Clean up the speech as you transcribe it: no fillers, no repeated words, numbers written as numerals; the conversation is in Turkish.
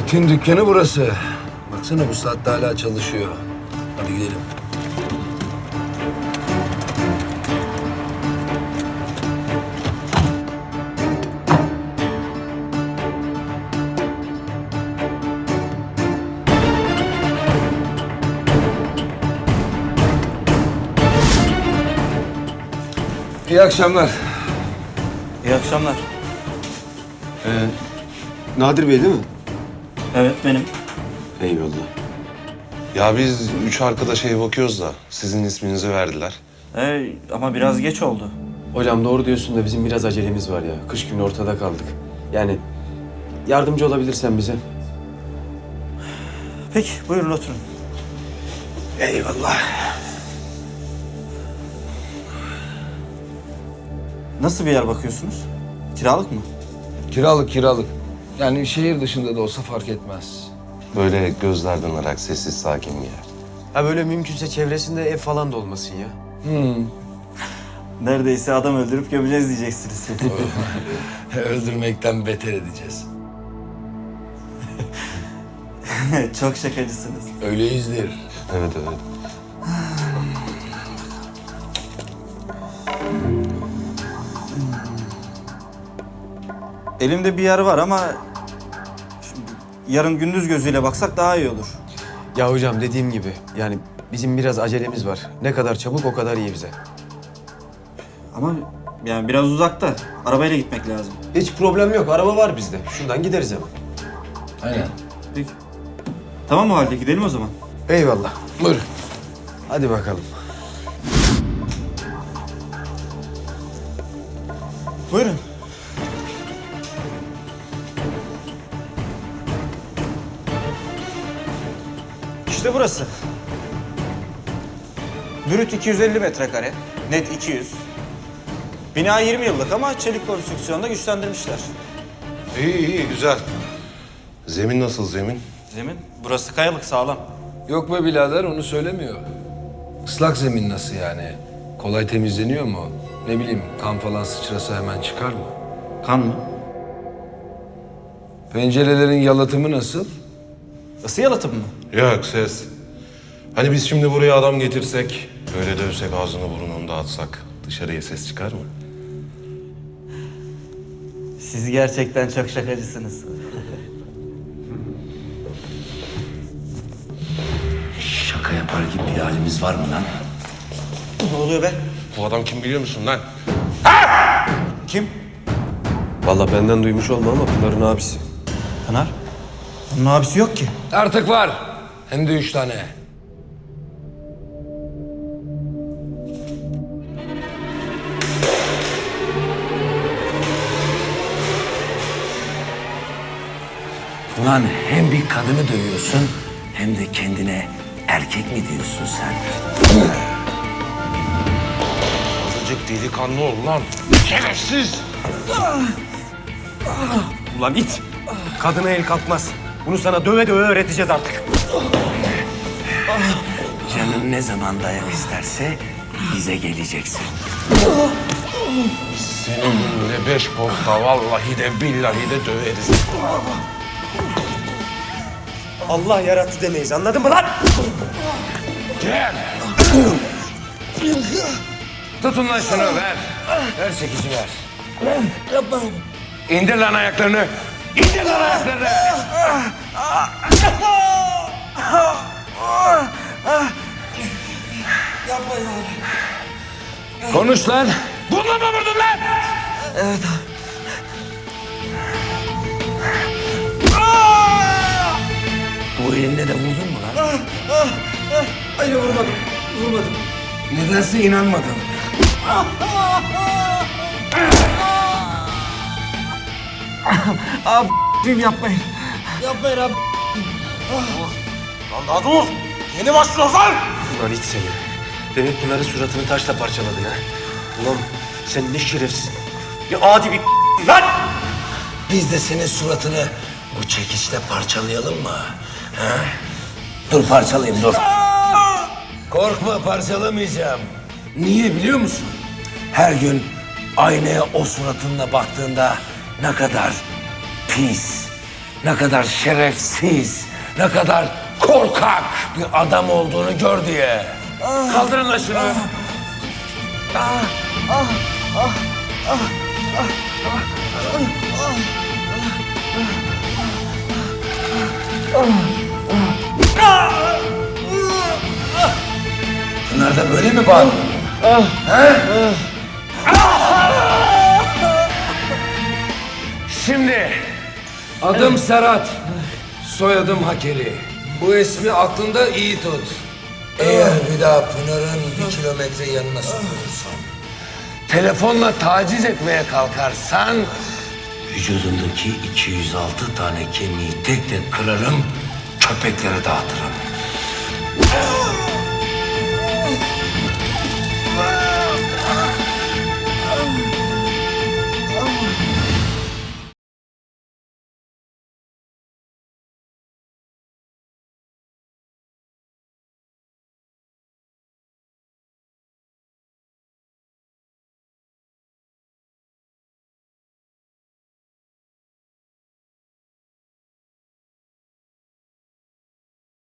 İtin dükkanı burası. Baksana bu saatte hala çalışıyor. Hadi gidelim. İyi akşamlar. İyi akşamlar. Nadir Bey değil mi? Evet benim. Eyvallah. Ya biz 3 arkadaşa bakıyoruz da sizin isminizi verdiler. Ama biraz geç oldu. Hocam doğru diyorsun da bizim biraz acelemiz var ya. Kış günü ortada kaldık. Yani yardımcı olabilirsen bize. Peki buyurun oturun. Eyvallah. Nasıl bir yer bakıyorsunuz? Kiralık mı? Kiralık. Yani şehir dışında da olsa fark etmez. Böyle gözlerden ırak, sessiz, sakin bir yer. Ha böyle mümkünse çevresinde ev falan da olmasın ya. Neredeyse adam öldürüp gömeceğiz diyeceksiniz. Öldürmekten beter edeceğiz. Çok şakacısınız. Öyleyizdir. Evet. Elimde bir yer var ama şimdi yarın gündüz gözüyle baksak daha iyi olur. Ya hocam dediğim gibi yani bizim biraz acelemiz var. Ne kadar çabuk o kadar iyi bize. Ama yani biraz uzakta. Arabayla gitmek lazım. Hiç problem yok. Araba var bizde. Şuradan gideriz hemen. Aynen. Peki. Tamam o halde gidelim o zaman. Eyvallah. Buyurun. Hadi bakalım. Buyurun. İşte burası. Brüt 250 metrekare, net 200. Bina 20 yıllık ama çelik konstrüksiyonda güçlendirmişler. İyi, güzel. Zemin nasıl zemin? Zemin, burası kayalık sağlam. Yok be birader onu söylemiyor. Islak zemin nasıl yani? Kolay temizleniyor mu? Ne bileyim kan falan sıçrasa hemen çıkar mı? Kan mı? Pencerelerin yalıtımı nasıl? Isı yalıtım mı? Yok, ses. Hani biz şimdi buraya adam getirsek, öyle dövsek, ağzını burnunu dağıtsak dışarıya ses çıkar mı? Siz gerçekten çok şakacısınız. Şaka yapar gibi bir halimiz var mı lan? Ne oluyor be? Bu adam kim biliyor musun lan? Kim? Vallahi benden duymuş olma ama Pınar'ın abisi. Pınar. Onun abisi yok ki. Artık var. Hem de 3 tane. Ulan hem bir kadını dövüyorsun hem de kendine erkek mi diyorsun sen? Azıcık delikanlı ol lan. Şerefsiz! Ulan it! Kadına el kalkmaz. Bunu sana döve döve öğreteceğiz artık. Canın ne zaman dayak isterse bize geleceksin. Senin önüne 5 posta vallahi de billahi de döveriz. Allah yarattı demeyiz, anladın mı lan? Gel! Tutun lan şunu ver. Ver çekici ver. Yapma. İndir lan ayaklarını. İndir lan ayaklarını. Yapma ya. Konuş lan. Bununla mı vurdun lan? Evet Bu elinle de vurdun mu lan? Hayır vurmadım. Nedense inanmadım. Abi yapmayın. Yapmayın abi. Lan daha dur! Yeni başlıyoruz lan! Ulan it seni. Demek Pınar'ın suratını taşla parçaladın ha. Ulan sen ne şerefsiz, ne adi bir lan! Biz de senin suratını bu çekiçle parçalayalım mı? Ha? Dur parçalayayım dur. Korkma parçalamayacağım. Niye biliyor musun? Her gün aynaya o suratınla baktığında ne kadar pis, ne kadar şerefsiz, ne kadar korkak bir adam olduğunu gör diye. Kaldırın lan şunu. Bunlar da böyle mi bağırıyor? Şimdi Adım Serhat, soyadım Hakeri. Bu ismi aklında iyi tut. eğer bir daha Pınar'ın 1 kilometre yanına sokulursan, telefonla taciz etmeye kalkarsan, vücudundaki 206 tane kemiği tek tek kırarım, köpeklere dağıtırım.